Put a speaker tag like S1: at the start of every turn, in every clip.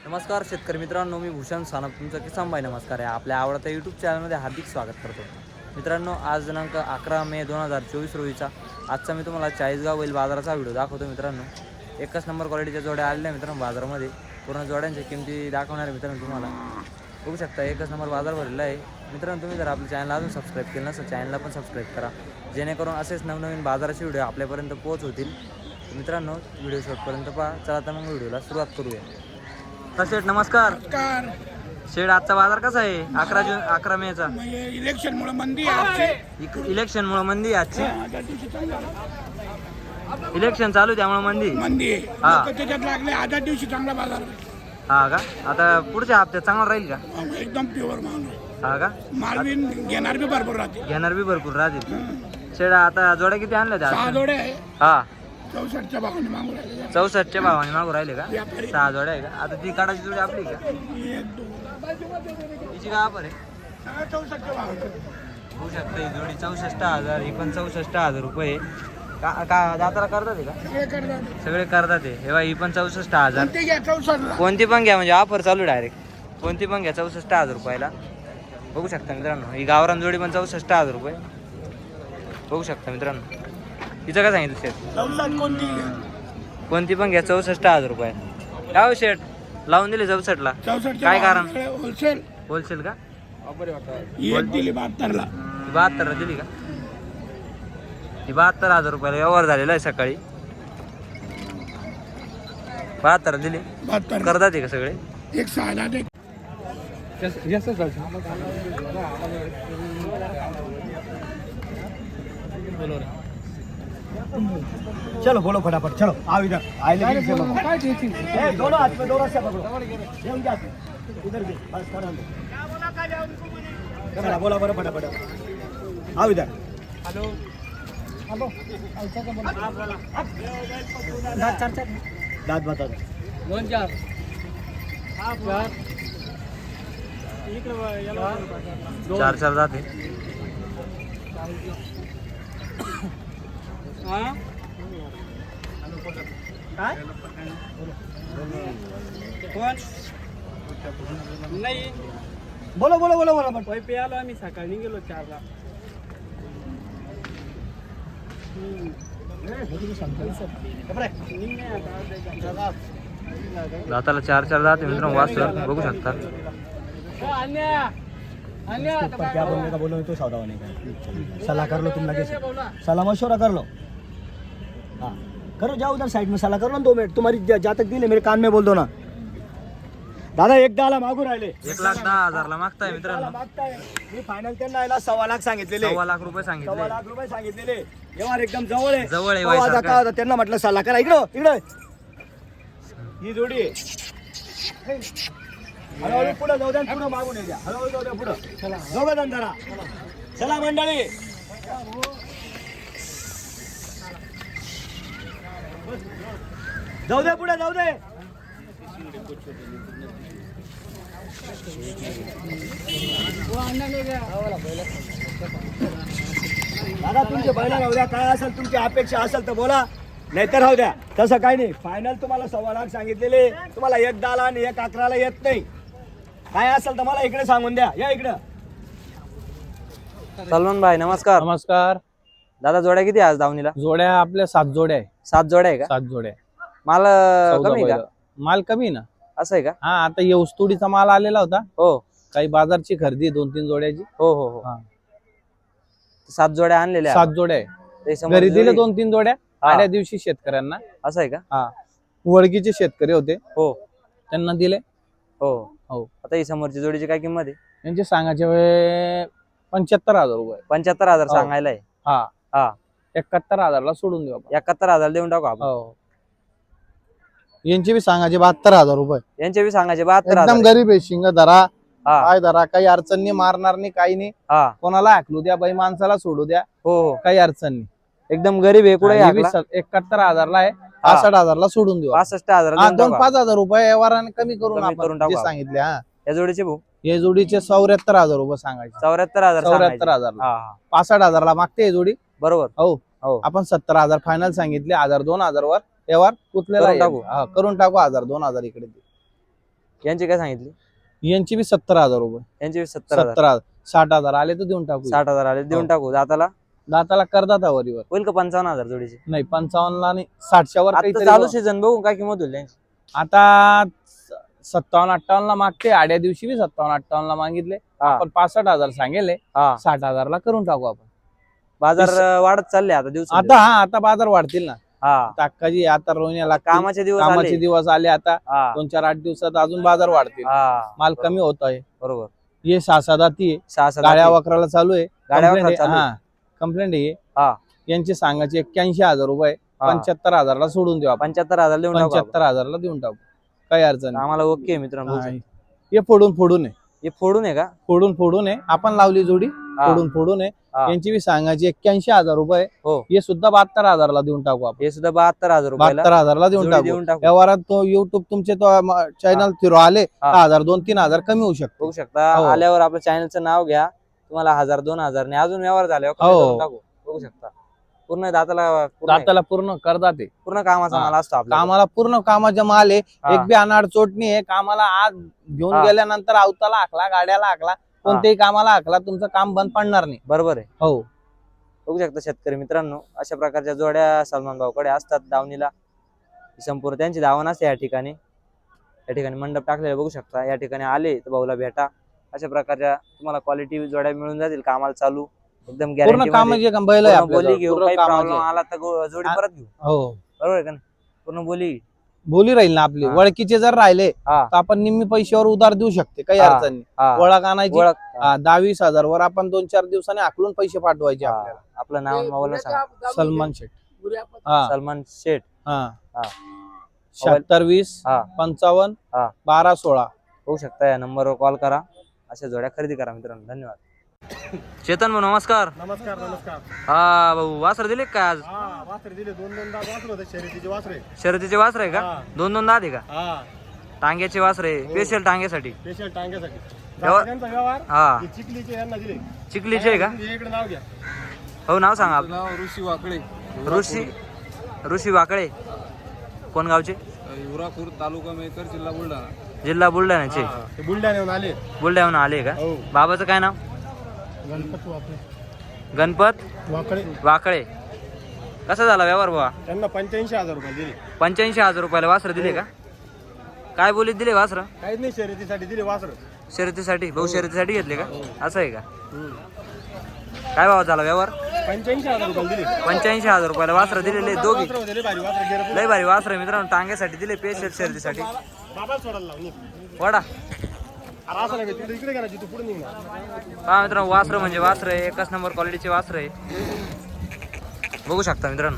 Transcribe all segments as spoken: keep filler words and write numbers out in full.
S1: नमस्कार शेतकरी मित्रांनो, मी भूषण सानप तुमचं किसान भाई नमस्कार आहे. आपल्या आवडत्या यूट्यूब चॅनलमध्ये हार्दिक स्वागत करतो. मित्रांनो, आज दिनांक अकरा मे दोन हजार चोवीस रोजीचा आजचा मी तुम्हाला चाळीसगाव बैल बाजाराचा व्हिडिओ दाखवतो. मित्रांनो, एकच नंबर क्वालिटीच्या जोड्या आलेल्या मित्रांनो बाजारामध्ये. पूर्ण जोड्यांच्या किमती दाखवणार आहे मित्रांनो. तुम्हाला बघू शकता एकच नंबर बाजार भरलेला आहे. मित्रांनो, तुम्ही जर आपल्या चॅनलला अजून सबस्क्राईब केलं नसेल चॅनलला पण सबस्क्राईब करा, जेणेकरून असेच नवनवीन बाजाराचे व्हिडिओ आपल्यापर्यंत पोहोच होतील. मित्रांनो, व्हिडिओ शेवटपर्यंत पहा. चला तर मग व्हिडिओला सुरुवात करूया. शेठ नमस्कार. शेठ, आजचा बाजार कसा आहे? अकरा जून अकरा मेचा
S2: इलेक्शन मुळे मंदी आहे.
S1: इलेक्शन मुळे मंदी आहे आजची. इलेक्शन चालू त्यामुळे मंदी
S2: मंदी
S1: हा.
S2: त्याच्यात लागले आधा दिवशी चांगला बाजार
S1: हा का? आता पुढच्या हप्त्यात चांगला राहील का?
S2: एकदम प्युअर माल
S1: हा का?
S2: मालवीन घेणार बी भरपूर राहते.
S1: घेणार बी भरपूर राहतील. शेठ, आता जोड्या किती आणल्या त्या?
S2: सहा जोडे आहे.
S1: हा,
S2: चौसष्टच्या भावाने मागू राहिले.
S1: चौसष्टच्या भावाने मागू राहिले का?
S2: व्यापारी.
S1: सहा जोड्या आहे का? आता ती काढायची जोडी आपली का?
S2: एक, दोन.
S1: तिची का आपण आहे?
S2: सगळं चौसष्टच्या भावाने.
S1: होऊ शकतं ही जोडी चौसष्ट हजार, ही पण चौसष्ट हजार रुपये. का का दाताला करतात आहे का?
S2: सगळे करतात.
S1: सगळे करतात आहे. हे बघा, ही पण चौसष्ट हजार.
S2: ते घ्या चौसष्टला.
S1: कोणती पण घ्या, म्हणजे ऑफर चालू डायरेक्ट. कोणती पण घ्या चौसष्ट हजार रुपयाला. बघू शकता मित्रांनो, ही गावरान जोडी पण चौसष्ट हजार रुपये. बघू शकता मित्रांनो. तिचं काय सांगितलं शेठ?
S2: चौसष्ट कोणती
S1: कोणती पण घ्या चौसष्ट हजार रुपये. काय हो शेठ, लावून दिले चौसष्टला?
S2: चौसष्टच्या
S1: काय कारण?
S2: होलसेल
S1: होलसेल का?
S2: एक दिली बहात्तरला.
S1: ही बहात्तरला दिली का? ही बहात्तर हजार रुपयाला व्यवहार झालेला आहे सकाळी. बहात्तर दिली.
S2: बहात्तर
S1: करतात आहे का सगळे?
S2: एक सहा दहा ते
S3: चलो बोलो फटाफट, चलो आओ इधर आइले भी से मत ए दोनों हाथ में दोनों से पकड़ो ये उनके हाथ में इधर भी बस कर दो चलो बोला बोलो फटाफट आओ इधर हेलो हेलो ऐसा का बोला आप बोला दांत चार चार दांत बता दो दोन चार आप चार
S1: चार चार जाते.
S3: हां काय कोण नाही बोलो बोलो बोलो बोलो पण पे आलो आम्ही सकाळी गेलो चारला.
S1: दाताला चार चार जाते मित्रांनो. वासर बघू शकता.
S3: पर क्या बोलने का बोलो तो सौदा होने का. सलाह कर लो तुम लगे से सलाह मशवरा कर लो. हाँ करो, जाओ उधर साइड में सलाह कर लो ना दो मिनट. तुम्हारी जा तक दिले मेरे कान में बोल दो ना. दादा एक दहाला मागू राहिले.
S1: एक लाख दहा हजारला मागताय मित्रांनो.
S3: मागताय मी फायनल त्यांना यायला सव्वा लाख सांगितलेले.
S1: सव्वा लाख रुपये
S3: सव्वा
S1: सांगितले.
S3: लाख रुपये सांगितलेले. व्यवहार एकदम जवळ आहे.
S1: जवळ आहे
S3: हो, आता
S1: वयसारखं.
S3: काय होतं, त्यांना म्हटलं सल्ला करा. इकडं इकडं ही जोडी आहे. हळूहळू पुढं जाऊ द्या, पुढं मागून येऊ द्या. हळूहळू जाऊ द्या पुढं. चला जाऊ द्या जरा. चला मंडळी, जाऊ दे पुढे जाऊ दे. दादा तुमचे बैला राहू द्या. काय असेल तुमची अपेक्षा असेल तर बोला, नाहीतर राहू द्या. तसं काही नाही. फायनल तुम्हाला सव्वा लाख सांगितलेले. तुम्हाला एक दहाला आणि एक अकराला येत नाही. काय असेल तर मला इकडे सांगून द्या. या इकडं.
S1: सलमान भाई नमस्कार.
S4: नमस्कार.
S1: दादा, जोड्या किती आज दावणीला?
S4: जोड्या आपल्या सात जोड्या आहे.
S1: सात जोड्या आहे का?
S4: सात जोड्या
S1: माल अं,
S4: चौदा
S1: कमी आहे का?
S4: बैलं. माल कमी आहे ना.
S1: असं आहे का?
S4: हा, आता ये ऊसतोडीचा माल आलेला होता.
S1: हो
S4: काही बाजारची खरेदी दोन तीन जोड्याची.
S1: हो हो हो.
S4: हा.
S1: सात जोड्या आणलेल्या
S4: सात जोड्या आहे.
S1: ते समोर
S4: घरी दिले
S1: जोडी.
S4: दोन तीन जोड्या
S1: हा.
S4: आल्या दिवशी शेतकऱ्यांना.
S1: असं आहे का?
S4: हा, वडकीचे शेतकरी होते,
S1: हो
S4: त्यांना दिले.
S1: हो
S4: हो.
S1: आता ही समोरची जोडीची काय किंमत आहे?
S4: यांचे सांगायचे वे- पंच्याहत्तर हजार रुपये.
S1: पंच्याहत्तर हजार
S4: हो.
S1: सांगायला आहे.
S4: हा
S1: हा.
S4: एकाहत्तर हजारला सोडून देऊ आपण.
S1: एकाहत्तर हजार देऊन टाकू आपण.
S4: हो. यांचे बी सांगायचे बहात्तर हजार रुपये.
S1: यांचे बी सांगायचे बहात्तर हजार
S4: एकदम
S1: आहे.
S4: गरीब आहे. शिंग धरा,
S1: हा
S4: काय धरा, काही अडचण नाही. मारणार नाही, काही नाही.
S1: हा
S4: कोणाला हाकलू द्या, बाई माणसाला सोडू द्या,
S1: हो हो.
S4: काही अडचण नाही.
S1: एकदम गरीब आहे. कुठे
S4: एकाहत्तर हजारला आहे. पासष्ट हजारला सोडून देऊ.
S1: पासष्ट हजार
S4: हा,
S1: देऊन
S4: दोन
S1: टाकू
S4: पाच हजार रुपये व्यवहाराने कमी करून
S1: कमी करून
S4: आपण
S1: टाकू
S4: जे
S1: आपण.
S4: सांगितले. हा,
S1: आपण. या जोडीचे भाऊ
S4: या जोडीचे चौऱ्याहत्तर हजार रुपये सांगायचे.
S1: चौऱ्याहत्तर हजार
S4: चौऱ्याहत्तर
S1: सांगायचे.
S4: हजारला.
S1: हा हा
S4: पासष्ट हजारला मागते ही जोडी.
S1: बरोबर.
S4: हो
S1: हो.
S4: आपण सत्तर हजार फायनल सांगितले. हजार दोन हजार वर व्यवहार कुठलेला
S1: करून टाकू.
S4: हा, करून टाकू. हजार दोन हजार इकडे दे.
S1: यांची काय सांगितली?
S4: यांची बी सत्तर हजार रुपये.
S1: यांची सत्तर हजार.
S4: सत्तर हजार साठ हजार आले तर देऊन टाकू.
S1: साठ हजार आले देऊन
S4: हो.
S1: टाकू. दाताला
S4: दाताला करदाता वरीवर
S1: होईल का पंचावन्न हजार जोडीचे?
S4: नाही पंचावन्न ला नाही साठच्या वर
S1: आता
S4: काहीतरी
S1: चालू
S4: बघ.
S1: सीझन बघू काय किंमत होईल त्यांची.
S4: आता सत्तावन्न अठ्ठावन्न ला मागते आड्या दिवशी बी सत्तावन्न अठ्ठावन्न ला मागितले.
S1: हा.
S4: आपण पासष्ट हजार सांगेले
S1: हा
S4: साठ हजार ला करून टाकू आपण.
S1: बाजार वाढत चालले आता दिवस.
S4: आता हा आता बाजार वाढतील ना.
S1: हा
S4: ताकाजी आता रोवण्याला
S1: कामाचे दिवस
S4: कामाचे
S1: आले.
S4: दिवस आले आता.
S1: हा
S4: दोन चार आठ दिवसात अजून बाजार वाढतील.
S1: हा
S4: माल कमी होत आहे.
S1: बरोबर.
S4: हे सहा सात आती आहे.
S1: सहा सात
S4: गाड्या
S1: आठ.
S4: वकराला चालू आहे.
S1: गाड्या
S4: Complaint
S1: वकराला चालू
S4: आहे.
S1: आहे.
S4: हा कंप्लेंट आहे.
S1: हा
S4: यांचे सांगायचे एक्क्याऐंशी हजार रुपये
S1: हा.
S4: पंच्याहत्तर हजारला सोडून देऊ आपण.
S1: पंच्याहत्तर हजार देऊन टाकू आपण.
S4: पंच्याहत्तर हजारला देऊन टाकू काही अडचण नाही.
S1: आम्हाला ओके मित्रांनो.
S4: हा. हे फोडून फोडून आहे.
S1: हे फोडून आहे का?
S4: फोडून फोडून आहे. आपण लावली जोडी
S1: हा.
S4: फोडून फोडून आहे.
S1: हा.
S4: यांची बी सांगायची एक्क्याऐंशी हजार रुपये.
S1: हो.
S4: हे सुद्धा बहात्तर हजारला देऊन टाकू आपण.
S1: हे सुद्धा बहात्तर हजार रुपयाला
S4: बहात्तर हजारला देऊन
S1: जोडी
S4: टाकू.
S1: देऊन टाकू.
S4: व्यवहारात तो युट्यूब तुमचे तो चॅनल थिरो आले
S1: हा.
S4: दहा हजार दोन तीन हजार कमी होऊ शकतो.
S1: बघू शकता.
S4: हो.
S1: आल्यावर आपल्या चॅनलचं नाव घ्या. तुम्हाला हजार दोन हजार ने अजून व्यवहार झाल्यावर कमी
S4: हो.
S1: करून टाकू. बघू शकता पूर्ण दाताला पूर्ण
S4: दाताला पूर्ण करदात आहे.
S1: पूर्ण कामाचा
S4: हा.
S1: माल असतो आपला.
S4: कामाला पूर्ण कामाचा माल आहे.
S1: हा.
S4: एक बी अनाड चोटणी आहे. कामाला आज घेऊन
S1: हा.
S4: गेल्यानंतर अवताला हाकला गाड्याला हाकला कोणत्याही कामाला हाकला तुमचं काम बंद पडणार नाही.
S1: बरोबर आहे.
S4: हो
S1: बघू शकता शेतकरी मित्रांनो अशा प्रकारच्या जोड्या सलमान भाऊकडे असतात दावणीला. संपूर्ण त्यांची दावण असते या ठिकाणी. या ठिकाणी मंडप टाकलेला बघू शकता. या ठिकाणी आले तर भाऊला भेटा. अशा प्रकारच्या तुम्हाला क्वालिटी जोड्या मिळून जातील कामाला चालू एकदम
S4: पूर्ण
S1: गॅरंटी
S4: कामाचे काम बैल आहे
S1: बोली
S4: आपल्याजवळ.
S1: घेऊ.
S4: पूर्ण
S1: काही
S4: कामाचे.
S1: प्रॉब्लेम आला तर गो- जोडी
S4: हा.
S1: परत घेऊ.
S4: हो
S1: बरोबर आहे का नाही? पूर्ण बोली.
S4: बोली राहील ना आपली.
S1: हा.
S4: वळखीचे जर राहिले
S1: हा
S4: तर आपण निम्मी पैशावर उधार देऊ शकते काही
S1: हा.
S4: अडचण नाही.
S1: हा.
S4: ओळख आणायची
S1: ओळख.
S4: हा, दहा वीस हजार वर आपण दोन चार दिवसांनी आकलून पैसे पाठवायचे
S1: हा.
S4: आपल्याला.
S1: आपलं नाव मोबाईल सांगा.
S4: सलमान शेठ. हा
S1: सलमान शेठ.
S4: हा
S1: हा.
S4: शहात्तर वीस
S1: हा
S4: पंचावन्न
S1: हा.
S4: बारा सोळा.
S1: होऊ शकता. या नंबरवर कॉल करा. अशा जोड्या खरेदी करा मित्रांनो. धन्यवाद. चेतन भाऊ नमस्कार.
S2: नमस्कार नमस्कार.
S1: हा भाऊ वासर दिले का आज?
S2: हा वासरे दिले दोन दोन दात वासरे होते शर्यतीचे वासरे.
S1: शर्यतीचे वासर आहे का?
S2: हा.
S1: दोन दोन दात आहे का?
S2: हा
S1: टांग्याचे वासर आहे. स्पेशल टांग्यासाठी.
S2: स्पेशल टांग्यासाठी.
S1: व्यवहार-
S2: त्यांचा व्यवहार
S1: हा
S2: हे चिखलीचे यांना दिले.
S1: चिखलीचे आहे का?
S2: हे इकडे नाव घ्या.
S1: हो नाव सांगा आपलं.
S5: नाव ऋषी वाकडे,
S1: ऋषी ऋषी वाकळे. कोण गावचे?
S5: युरापूर तालुका मेकर, जिल्हा बुलढाणा.
S1: जिल्हा बुलढाण्याचे.
S2: हा, ते बुलढाण्याहून आले.
S1: बुलढाण्याहून आले का?
S2: हो.
S1: बाबाचं काय नाव?
S2: गणपत वाकडे.
S1: गणपत
S2: वाकडे.
S1: वाकळे. कसा झाला व्यवहार बाबा?
S2: त्यांना पंच्याऐंशी हजार रुपये दिले.
S1: पंच्याऐंशी हजार रुपयाला वासर दिले का? काय बोलीत दिले वासर?
S2: काहीच नाही शर्यतीसाठी दिले वासर.
S1: शर्यतीसाठी. भाऊ शर्यतीसाठी घेतले का? असं आहे का? काय भाव झाला व्यवहार?
S2: पंच्याऐंशी हजार रुपये दिले.
S1: पंच्याऐंशी हजार रुपयाला वासर दिलेले दोघी.
S2: वासरं होते, लय भारी वासरं गेलं.
S1: लय भारी वासर मित्रांनो. टांग्यासाठी दिले. पेशल शर्यतीसाठी.
S2: बाबा सोडायला लावून ये.
S1: वडा
S2: अरे असं नाही तिकडे इकडे करायची तू पुढे निघणार.
S1: पहा मित्रांनो वासर म्हणजे वासर आहे. एकच नंबर क्वालिटीचे वासर आहे. बघू शकता मित्रांनो.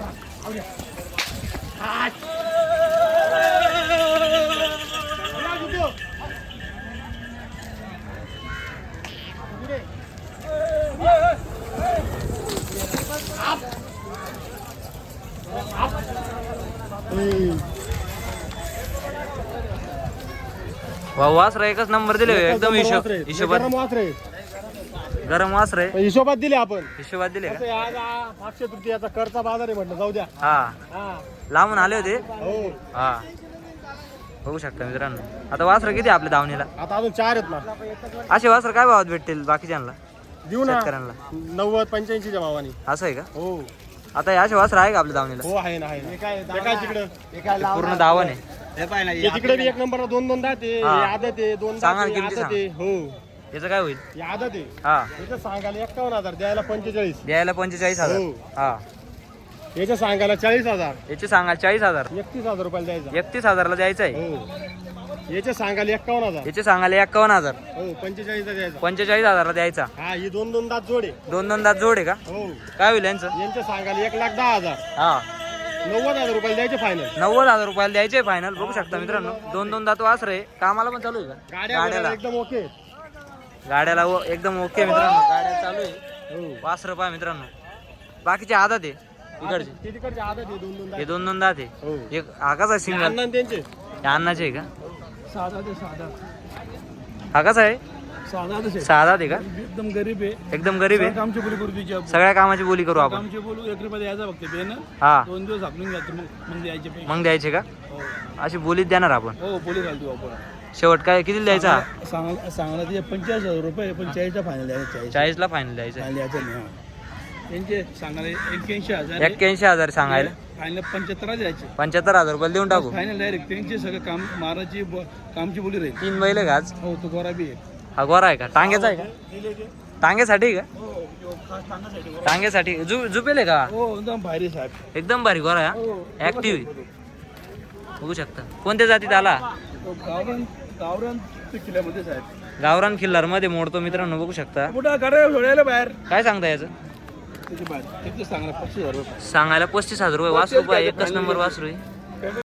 S1: वा वासर एकच नंबर दिले. एकदम हिशोब हिशोबात.
S2: गरम वासरे.
S1: गरम वासर आहे.
S2: हिशोबात दिले आपण.
S1: हिशोबात दिले का?
S2: कसं आहे, आज आ- अक्षय तृतीयाचा करचा बाजार आहे म्हटलं जाऊ द्या.
S1: हा
S2: हा
S1: लांबून आले होते.
S2: हो.
S1: हा बघू शकता मित्रांनो. आता वासर किती आहे आपल्या दावणीला?
S2: आता अजून चार आहेत ना.
S1: असे वासर काय भावात भेटतील बाकीच्यांना
S2: देऊ ना
S1: शेतकऱ्यांना?
S2: नव्वद पंच्याऐंशीच्या भावाने.
S1: असं आहे का?
S2: हो
S1: आता हे असे वासर आहे का आपल्या दावणीला?
S2: हो आहे ना आहे ना. हे काय तिकडं
S1: पूर्ण दावण आहे.
S2: हे तिकडे बी एक नंबर दोन दोन दात आहे.
S1: हा.
S2: हे आदत आहे दोन दात
S1: सांगा ना
S2: आहे,
S1: किमती
S2: आदत आहे. हो
S1: याचं काय होईल?
S2: हे आदत आहे.
S1: हा
S2: याचं सांगायला एक्कावन्न हजार द्यायला पंचेचाळीस.
S1: द्यायला पंचेचाळीस हजार.
S2: हो.
S1: हा
S2: याच्या सांगायला चाळीस हजार.
S1: याचे सांगा चाळीस हजार.
S2: एकतीस हजार रुपयाला द्यायचा.
S1: एकतीस हजारला द्यायचं आहे.
S2: हो याच्या सांगायला एक्कावन्न हजार.
S1: याचे सांगायला एक्कावन्न हजार.
S2: हो पंचेचाळीसचा द्यायचा.
S1: पंचेचाळीस हजारला द्यायचा.
S2: हा ही दोन दोन दात जोडे.
S1: दोन दोन दात जोड आहे का?
S2: हो
S1: काय होईल यांचं?
S2: यांच्या सांगायला एक लाख दहा हजार.
S1: हा
S2: नव्वद हजार रुपयाला द्यायचे फायनल.
S1: नव्वद हजार रुपयाला द्यायचे फायनल. बघू शकता मित्रांनो. दोन दोन दात वासर आहे. कामाला पण चालू आहे का?
S2: गाड्या
S1: गाड्याला
S2: एकदम ओके.
S1: गाड्याला व- एकदम ओके मित्रांनो. गाड्या चालू आहे.
S2: हो
S1: वासर पहा मित्रांनो. बाकीचे आदत आहे इकडचे.
S2: ते तिकडचे आदत आहे दोन दोन
S1: हे
S2: दात.
S1: दोन दोन दात आहे.
S2: हो
S1: एक हा कसा आहे सिंगल?
S2: अण्णा आणि त्यांचे
S1: हे अन्नाचे आहे का?
S2: साधा ते साधा
S1: हा कसा आहे?
S2: साधा तसे
S1: सहा दात आहे का?
S2: एकदम गरीब आहे.
S1: एकदम गरीब आहे.
S2: कामची बोली करू तिची
S1: सगळ्या कामाची बोली करू आपण.
S2: कामची बोलू एक रुपये द्यायचा फक्त ते ना
S1: हा
S2: दोन दिवस आपण घ्यायचं मग मग द्यायचे पैसे.
S1: मग द्यायचे का?
S2: हो
S1: अशी बोलीत देणार आपण.
S2: हो बोली घालतो आपण.
S1: शेवट काय किती द्यायचा
S6: सांगायला सांगायला ते पंचेचाळीस हजार रुपये पण चाळीसचा फायनल द्यायचा चाळीस
S1: चाळीसला फायनल द्यायचं
S6: फायनल द्यायचा नाही हा. त्यांचे सांगायला एक्क्याऐंशी हजार
S1: एक्क्याऐंशी हजार सांगायला
S6: फायनल पंच्याहत्तर द्यायचे
S1: पंच्याहत्तर हजार रुपये देऊन टाकू
S6: फायनल डायरेक्ट त्यांचे सगळं काम माराची ब- कामची बोली राहील
S1: तीन बैल आहे का आज
S6: हो तो गोरा बी आहे
S1: हा गोरा आहे का टांग्याचा आहे का टांग्यासाठी का टांग्यासाठी जु जुपेल आहे का
S6: हो एकदम भारी साहेब
S1: एकदम भारी गोरा आहे ऍक्टिव्ह बघू शकता कोणत्या जातीत आला
S6: तो गावरान गावरान ते किल्ल्यामध्ये साहेब
S1: गावरान खिल्लार मध्ये मोडतो मित्रांनो बघू शकता
S6: कुठं गाड्या सोडायला बाहेर
S1: काय सांगता याचं
S6: त्याची बाहेर तिथे सांगणार पस्तीस हजार रुपये
S1: सांगायला पस्तीस हजार रुपये वासरू पाय एकच नंबर वासरू आहे